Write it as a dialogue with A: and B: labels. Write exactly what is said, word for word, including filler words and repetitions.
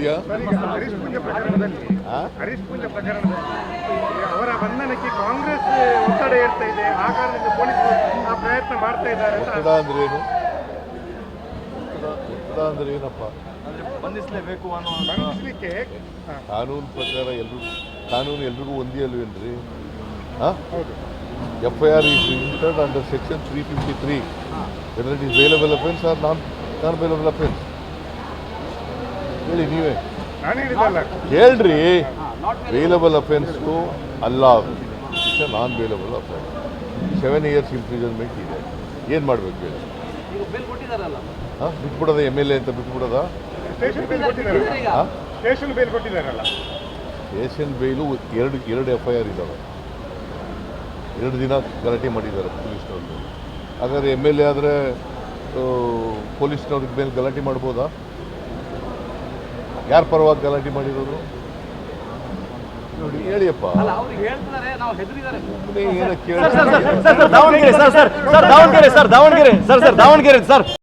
A: ವಿಷಯ?
B: ಹರೀಶ್ ಪೂಜೆ ಪ್ರಕರಣದಲ್ಲಿ ಹರೀಶ್ ಪೂಜೆ ಪ್ರಕರಣದಲ್ಲಿ ಅವರ ಬಂಧನಕ್ಕೆ ಕಾಂಗ್ರೆಸ್ ಒತ್ತಡ ಏರ್ತಾ ಇದೆ. ಆ ಕಾರಣದಿಂದ ಪೊಲೀಸರು ಆ ಪ್ರಯತ್ನ ಮಾಡ್ತಾ ಇದ್ದಾರೆ.
A: ಒತ್ತಡ ಅಂದ್ರೆ ಏನು? ಒತ್ತಡ ಅಂದ್ರೆ ಏನಪ್ಪ?
C: ಬಂಧಿಸಲೇಬೇಕು ಅನ್ನೋ
B: ಬಂಧಿಸಲಿಕ್ಕೆ
A: ಕಾನೂನು ಪ್ರಕಾರ ಎಲ್ರಿಗೂ ಕಾನೂನು ಎಲ್ರಿಗೂ ಒಂದೇ ಅಲ್ವೇನ್ರಿ?
B: ಹೌದು.
A: F I R is registered under section three fifty three whether it is bailable offence or non non bailable offence. ಹೇಳಿ ನೀವೇ
B: ನಾನು ಹೇಳಿದಲ್ಲ.
A: ಹೇಳ್ರಿ, ಬೇಲಬಲ್ ಅಫೆನ್ಸು ಅಲ್ಲ, it's a non bailable offence. Seven years imprisonment ಇದೆ. ಏನು ಮಾಡಬೇಕು ಹೇಳಿ? ಹಾಂ, ಬಿಟ್ಬಿಡೋದ ಎಮ್ ಎಲ್ ಎ ಅಂತ ಬಿಟ್ಬಿಡೋದ?
B: ಸ್ಟೇಷನ್ ಬೇಲ್ ಕೊಟ್ಟಿದ್ದಾರಲ್ಲ.
A: ಹಾಂ,
B: ಸ್ಟೇಷನ್ ಬೇಲ್ ಕೊಟ್ಟಿದ್ದಾರಲ್ಲ.
A: ಸ್ಟೇಷನ್ ಬೇಲು ಎರಡು ಎರಡು ಎಫ್ ಐ ಆರ್ ಇದ್ದಾವೆ. ಎರಡು ದಿನ ಗಲಾಟೆ ಮಾಡಿದ್ದಾರೆ ಪೊಲೀಸ್ನವ್ರಿಗೆ. ಹಾಗಾದ್ರೆ ಎಮ್ ಎಲ್ ಎ ಆದರೆ ಪೊಲೀಸ್ನವ್ರಿಗೆ ಮೇಲೆ ಗಲಾಟೆ ಮಾಡ್ಬೋದಾ? ಯಾರ ಪರವಾಗಿ ಗಲಾಟೆ ಮಾಡಿರೋರು ನೋಡಿ, ಹೇಳಿಯಪ್ಪ.
C: Davanagere sir sir Davanagere sir Davanagere sir sir Davanagere sir